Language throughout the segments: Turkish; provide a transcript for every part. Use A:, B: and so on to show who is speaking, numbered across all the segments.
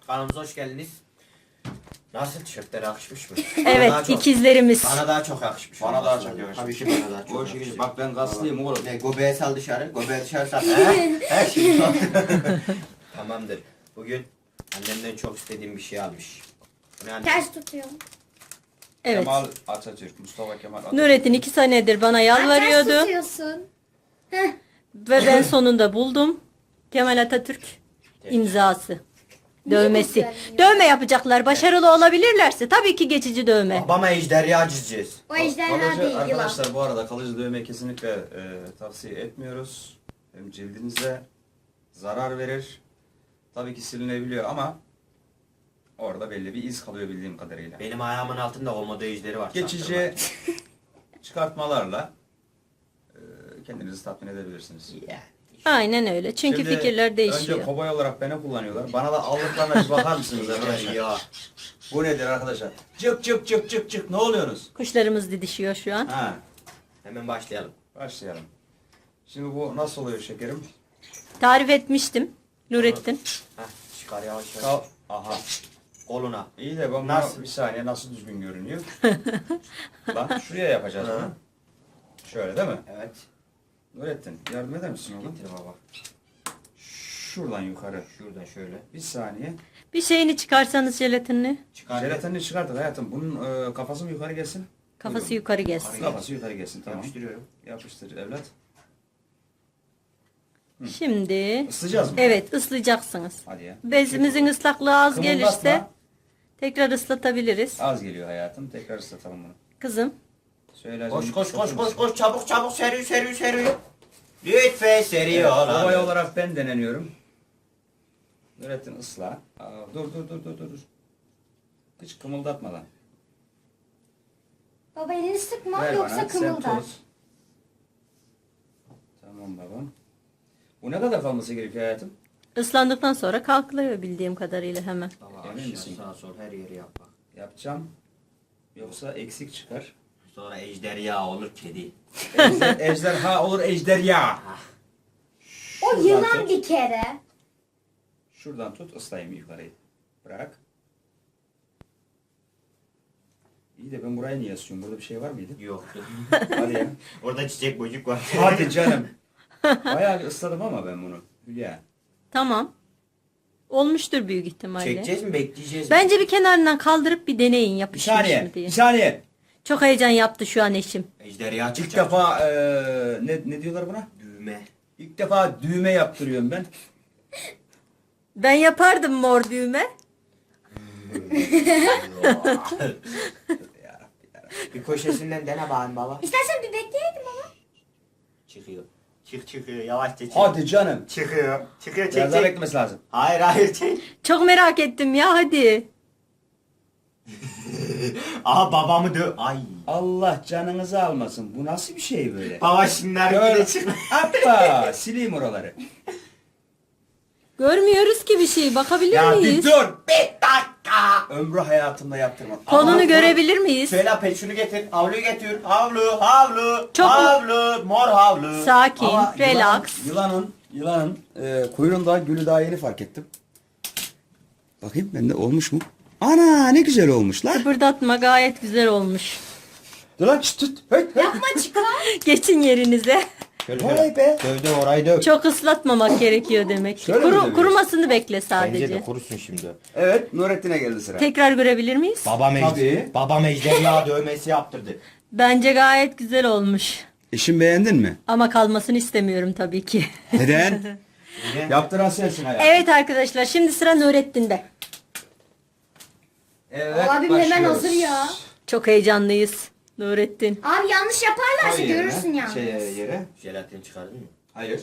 A: Kanalımıza hoş geldiniz. Nasıl, tişörtler yakışmış mı?
B: Evet, ikizlerimiz.
A: Bana daha çok yakışmış.
C: Bana daha çok yakışmış.
A: Tabii ki bana daha çok
C: O
A: yakışmış.
C: şekilde bak ben kaslıyım oğlum.
A: Ne, göbeğe sal dışarı, göbeğe dışarı sal. Her şey Tamamdır. Bugün annemden çok istediğim bir şey almış. Bu ne anne?
D: Ters tutuyorum.
B: Evet.
C: Kemal Atatürk, Mustafa Kemal Atatürk.
B: Nurettin 2 senedir bana
D: Ters
B: yalvarıyordu
D: tutuyorsun. Heh.
B: ve ben sonunda buldum. Kemal Atatürk imzası. Dövmesi.
D: güzel ya.
B: Dövme yapacaklar. Başarılı olabilirlerse tabii ki geçici dövme.
A: Babama ejderha çizeceğiz.
D: O ejderha değil yılan.
C: Arkadaşlar bu arada kalıcı dövme kesinlikle tavsiye etmiyoruz. Hem cildinize zarar verir. Tabii ki silinebiliyor ama orada belli bir iz kalıyor bildiğim kadarıyla.
A: Benim ayağımın altında komodo ejderi var.
C: Geçici çıkartmalarla kendinizi tatmin edebilirsiniz.
A: Yeah.
B: Aynen öyle. Çünkü
C: Şimdi
B: fikirler değişiyor.
C: Önce kovboy olarak beni kullanıyorlar. Bana da aldıklarına bir bakar mısınız arkadaşlar?
A: Ya.
C: Bu nedir arkadaşlar? Cık cık cık cık cık ne oluyorsunuz?
B: Kuşlarımız didişiyor şu an.
C: Ha,
A: Hemen başlayalım.
C: başlayalım. Şimdi bu nasıl oluyor şekerim?
B: Tarif etmiştim Nurettin.
A: Heh, çıkar yavaş yavaş.
C: Kal. Aha.
A: Koluna.
C: İyi de ben
A: Nasıl?
C: nasıl? Bir saniye nasıl düzgün görünüyor? Bak şuraya yapacağız
A: Ha.
C: bunu. Şöyle değil mi?
A: Evet.
C: Nurettin yardım eder misin oğlum?
A: Getir baba.
C: Şuradan yukarı.
A: Şuradan şöyle.
C: Bir saniye.
B: Bir şeyini çıkarsanız jelatinini.
A: Çıkar.
C: Jelatinini çıkarttık hayatım. Bunun kafası mı yukarı gelsin?
B: Kafası
C: Buyurun.
B: yukarı gelsin.
C: Kafası yukarı gelsin tamam.
A: Yapıştırıyorum.
C: Yapıştır evlat.
B: Şimdi
C: Islayacağız mı?
B: evet ıslayacaksınız.
C: Hadi ya.
B: Bezimizin ıslaklığı az
C: Kımıldatma.
B: gelirse tekrar ıslatabiliriz.
C: Az geliyor hayatım. Tekrar ıslatalım bunu.
B: Kızım.
C: Söyle.
A: Koş koş koş koş koş çabuk çabuk seri seri seri. Lütfen seri ol
C: Kovay
A: abi.
C: olarak ben deneniyorum. Nurettin ısla. Dur. Hiç kımıldatmadan.
D: Baba elini sıkma
C: Ver
D: yoksa
C: bana. Sen
D: kımıldar.
C: tut. Tamam babam. Bu ne kadar kalması gerekiyor hayatım?
B: Islandıktan sonra kalkılıyor bildiğim kadarıyla hemen.
A: Baba
C: Emin
A: aşağı
C: misin?
A: sağa sol her yeri yap bak.
C: Yapacağım. Yoksa eksik çıkar.
A: Sonra ejderha olur kedi.
C: Ejderha olur ejderha.
D: O
C: Şuradan
D: yılan
C: tut.
D: bir kere.
C: Şuradan tut ıslayayım yukarıyı. Bırak. İyi de ben buraya niye asıyorum? Burada bir şey var mıydı?
A: Yoktu.
C: Hadi ya.
A: Orada çiçek bocuk var.
C: Hadi canım. Bayağı bir ısladım ama ben bunu. Hülya.
B: Tamam. Olmuştur büyük ihtimalle.
A: Çekeceğiz mi bekleyeceğiz mi?
B: Bence bir kenarından kaldırıp bir deneyin
C: Bir
B: yapışmış
C: saniye.
B: mı diye.
C: Bir saniye.
B: Çok heyecan yaptı şu an eşim.
A: Ejderha
C: İlk
A: çıkacak.
C: defa ne diyorlar buna?
A: Düğme.
C: İlk defa düğme yaptırıyorum ben.
B: Ben yapardım mor düğme.
A: Bir köşesinden dene bakayım baba.
D: İstersen bir bekleyelim baba.
A: Çıkıyor. Çıkıyor yavaşça çık.
C: Hadi canım.
A: Çıkıyor. Çıkıyor çek
C: Biraz daha
A: çek.
C: beklemesi lazım.
A: Hayır çek.
B: Çok merak ettim ya hadi.
A: Aha babamı Ay.
C: Allah canınızı almasın. Bu nasıl bir şey böyle?
A: Baba şimdiler
C: Gör.
A: bile çıkıyor.
C: Hoppa. Sileyim oraları.
B: Görmüyoruz ki bir şey. Bakabilir
C: Ya bir
B: miyiz?
C: dur.
A: Bir dakika.
C: Ömrü hayatımda yaptırmam.
B: Konunu
A: Ama-
B: görebilir miyiz?
A: Söyle pet şunu getir. Havluyu getir. Havlu.
B: Çok-
A: Havlu. Mor havlu.
B: Sakin,
C: Ama
B: relax.
C: Yılanın kuyruğunda gülü daha yeni fark ettim. Bakayım bende olmuş mu? Ana ne güzel olmuş lan.
B: Kıpırdatma gayet güzel olmuş.
C: Dur lan çıt tut. Hey, hey.
D: Yapma çıkar.
B: Geçin yerinize.
A: Şöyle
C: Vay be.
A: Dövdü orayı döv.
B: Çok ıslatmamak gerekiyor demek.
C: Şöyle mi dövüyoruz?
B: Kurumasını bekle
A: Bence
B: sadece.
A: de kurusun şimdi.
C: Evet Nurettin'e geldi sıra.
B: Tekrar görebilir miyiz?
C: Tabii.
A: Babam ejderha dövmesi yaptırdı.
B: Bence gayet güzel olmuş.
C: İşin beğendin mi?
B: Ama kalmasını istemiyorum tabii ki.
C: Neden? Yaptıran sensin hayatım.
B: Evet arkadaşlar şimdi sıra Nurettin'de.
C: Evet,
D: Abim hemen
C: başlıyoruz.
D: hazır ya.
B: Çok heyecanlıyız Nurettin.
D: Abi yanlış yaparlarsa
C: Koy yerine,
D: görürsün yalnız.
C: yere.
A: Jelatin çıkardın mı?
C: Hayır.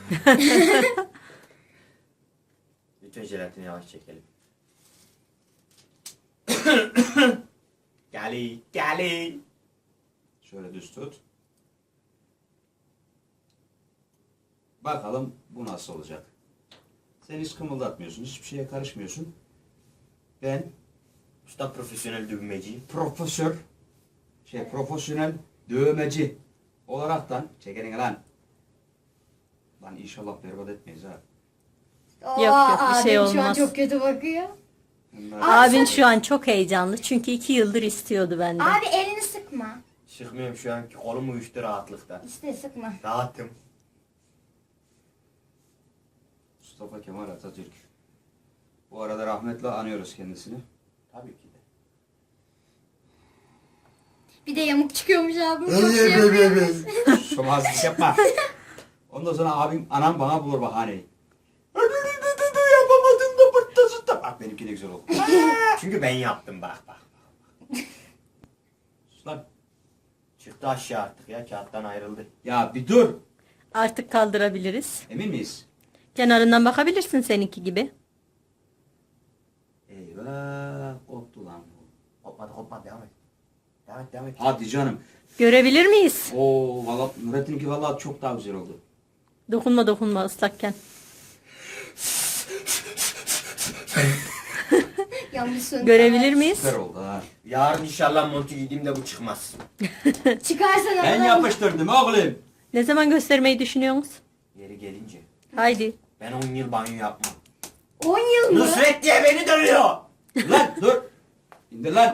A: Lütfen jelatini yavaş çekelim. Gali.
C: Şöyle düz tut. Bakalım bu nasıl olacak. Sen hiç kımıldatmıyorsun, hiçbir şeye karışmıyorsun. Ben
A: Usta profesyonel dövmeci.
C: profesyonel dövmeci olaraktan çekenin lan. Lan inşallah berbat etmeyiz ha.
D: Oo,
B: Yok, bir şey
D: abim şu an
B: olmaz.
D: çok kötü bakıyor.
B: Abin şu an çok heyecanlı çünkü 2 yıldır istiyordu benden.
D: Abi elini sıkma.
A: Çıkmıyorum şu an. Kolum uyuştu rahatlıktan.
D: İşte sıkma.
A: Rahatım.
C: Mustafa Kemal Atatürk. Bu arada rahmetle anıyoruz kendisini.
A: Tabii ki de.
D: Bir de yamuk çıkıyormuş abim. Çok şey yapıyormuş.
C: Şomazlık yapma. Ondan sonra abim, anam bana bulur bahaneyi. Yapamadın da pırtlasın da. Bak benimki de güzel oldu.
A: Çünkü ben yaptım bak.
C: Sus lan.
A: Çıktı aşağı artık ya. Kağıttan ayrıldı.
C: Ya bir dur.
B: Artık kaldırabiliriz.
C: Emin miyiz?
B: Kenarından bakabilirsin seninki gibi.
C: Eyvah. Koptu lan bu.
A: Kopmadı devam et. Devam et.
C: Hadi canım.
B: Görebilir miyiz?
C: Oo valla Nurettin'inki valla çok daha güzel oldu.
B: Dokunma ıslakken.
D: Yanlış söndü.
B: Görebilir miyiz?
C: Süper oldu ha.
A: Yarın inşallah montu giydiğimde bu çıkmaz.
D: Çıkarsan
C: Ben
D: aradan-
C: yapıştırdım oğlum.
B: Ne zaman göstermeyi düşünüyorsunuz?
A: Yeri gelince.
B: Haydi.
A: Ben 10 yıl banyo yapmam.
D: 10 yıl mı?
A: Nusret diye beni dövüyor.
C: Lan dur. İndir lan.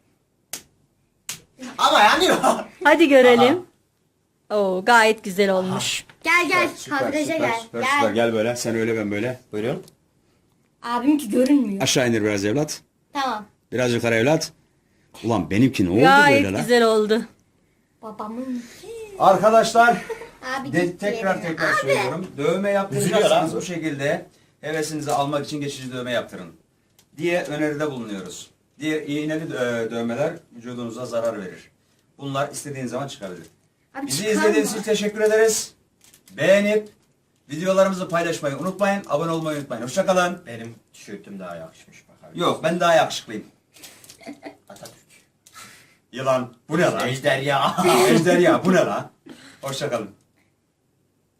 A: Ama yanıyor.
B: Hadi görelim. Oo, gayet güzel olmuş.
D: Gel kadraja gel. Gel.
C: Gel böyle. Sen öyle ben böyle.
A: Buyurun.
D: Abimki görünmüyor.
C: Aşağı indir biraz evlat.
D: Tamam.
C: Biraz yukarı evlat. Ulan benimki ne oldu
B: Gayet
C: böyle lan?
B: güzel oldu.
D: Babamın.
C: Arkadaşlar
D: Abi gitti
C: tekrar
D: yerine.
C: tekrar
D: Abi.
C: söylüyorum. Dövme
A: Üzülüyor
C: yaptıracaksanız
A: lan.
C: bu şekilde hevesinizi almak için geçici dövme yaptırın diye öneride bulunuyoruz. Diğer iğneli dövmeler vücudunuza zarar verir. Bunlar istediğiniz zaman çıkabilir.
D: Abi
C: Bizi
D: çıkarma.
C: izlediğiniz için teşekkür ederiz. Beğenip videolarımızı paylaşmayı unutmayın. Abone olmayı unutmayın. Hoşçakalın.
A: Benim tişörtüm daha yakışmış bak abi.
C: Yok ben daha yakışıklıyım.
A: Atatürk.
C: Yılan. Bu ne lan?
A: Ejderha.
C: Ejderha bu ne lan? Hoşçakalın.